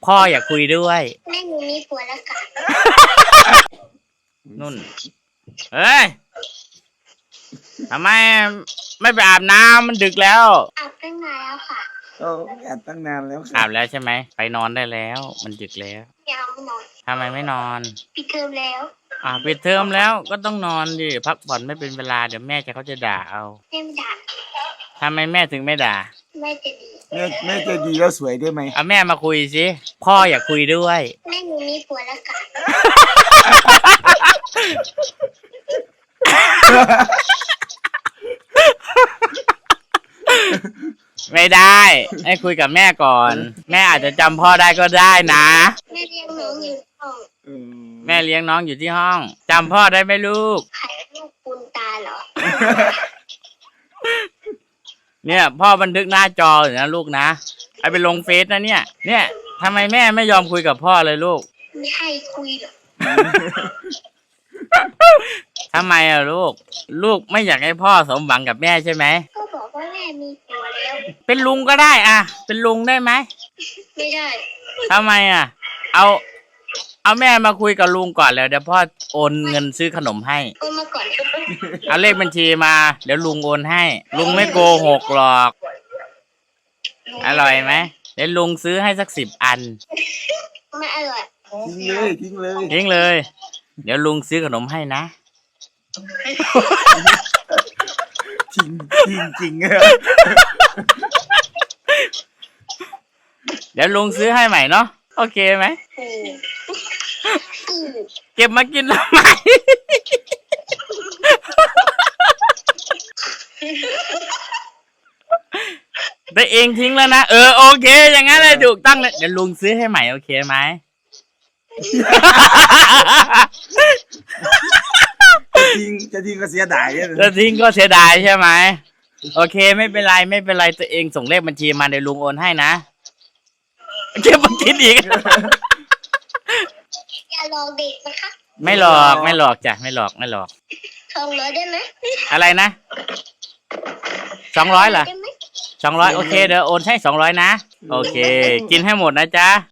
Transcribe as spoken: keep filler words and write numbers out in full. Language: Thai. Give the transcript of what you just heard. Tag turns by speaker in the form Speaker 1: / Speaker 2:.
Speaker 1: พ่ออยากคุยด้วย
Speaker 2: แม่หนูมีผัวแล้วค่ะ
Speaker 1: นุ่นเฮ้ยทำไมไม่ไปอาบน้ำมันดึกแล้ว
Speaker 2: อาบตั้งนานแล้วค่ะ
Speaker 3: โอ้อาบตั้งนานแล้ว
Speaker 1: อาบแล้วใช่ไหมไปนอนได้แล้วมันดึกแล้ว
Speaker 2: ยังไม่นอน
Speaker 1: ทำไมไม่นอน
Speaker 2: ปิดเทอมแล้ว
Speaker 1: อ่าปิดเทอมแล้วก็ต้องนอนดิพักผ่อนไม่เป็นเวลาเดี๋ยวแม่จะเขาจะด่าเอา
Speaker 2: แม่ด่า
Speaker 1: ทำไมแม่ถึงไม่ด่า
Speaker 2: แม่จะดี
Speaker 3: แม่แม่จะดีแล้วสวยได้ไหม
Speaker 1: เอาแม่มาคุยสิพ่ออยากคุยด้วย
Speaker 2: แม่หนูมีผัวแล้วค่ะ
Speaker 1: ไม่ได้ให้คุยกับแม่ก่อนแม่อาจจะจำพ่อได้ก็ได้นะ
Speaker 2: แม่เลี้ยงน้องอยู่ห้อง
Speaker 1: แม่เลี้ยงน้องอยู่ที่ห้องจำพ่อได้ไหมลูก
Speaker 2: ใครลูกปุณตาเหรอ
Speaker 1: เนี่ยพ่อบันทึกหน้าจออยู่นะลูกนะไอไปลงเฟซนะเนี่ยเนี่ยทำไมแม่ไม่ยอมคุยกับพ่อเลยลูก
Speaker 2: ไม่ให้คุยหรอก
Speaker 1: ทำไมอะลูกลูกไม่อยากให้พ่อสมหวังกับแม่ใช่ไหม
Speaker 2: ก็บอกว่าแม่มีผัวแล้ว
Speaker 1: เป็นลุงก็ได้อะเป็นลุงได้ไหม
Speaker 2: ไม่ได้
Speaker 1: ทำไมอะเอาเอาแม่มาคุยกับลุงก่อนแล้วเดี๋ยวพ่อโอนเงินซื้อขนมให้
Speaker 2: โอนมาก่อน
Speaker 1: เอาเลขบัญชีมาเดี๋ยวลุงโอนให้ลุงไม่โกหกหรอกอร่อยไหมเดี๋ยวลุงซื้อให้สักสิบอัน
Speaker 2: ไม่อร่อย
Speaker 3: ทิ้งเลยทิ้งเลย
Speaker 1: ทิ้งเลยเดี๋ยวลุงซื้อขนมให้นะ
Speaker 3: จริงจริงจริง
Speaker 1: เดี๋ยวลุงซื้อให้ใหม่เนาะโอเคไหมเก็บมากินทำไมแต่เองทิ้งแล้วนะเออโอเคอย่างนั้นเลยถูกตั้งเลยเดี๋ยวลุงซื้อให้ใหม่โอเคไหม
Speaker 3: จะทิ้งจะทิ้งก็เสียดาย
Speaker 1: จะทิ้งก็เสียดายใช่ไหมโอเคไม่เป็นไรไม่เป็นไรตัวเองส่งเลขบัญชีมาเดี๋ยวลุงโอนให้นะเก็บมากินอีก
Speaker 2: อย่าหลอกเด็กนะคะ
Speaker 1: ไม่หลอกไม่หลอกจ้ะไม่หลอกไม่หลอก
Speaker 2: สองร้อยได้ไหม
Speaker 1: อะไรนะสองร้อยเหรอสองร้อยโอเคเดี๋ยวโอนให้สองร้อยนะโอเคกินให้หมดนะจ๊ะ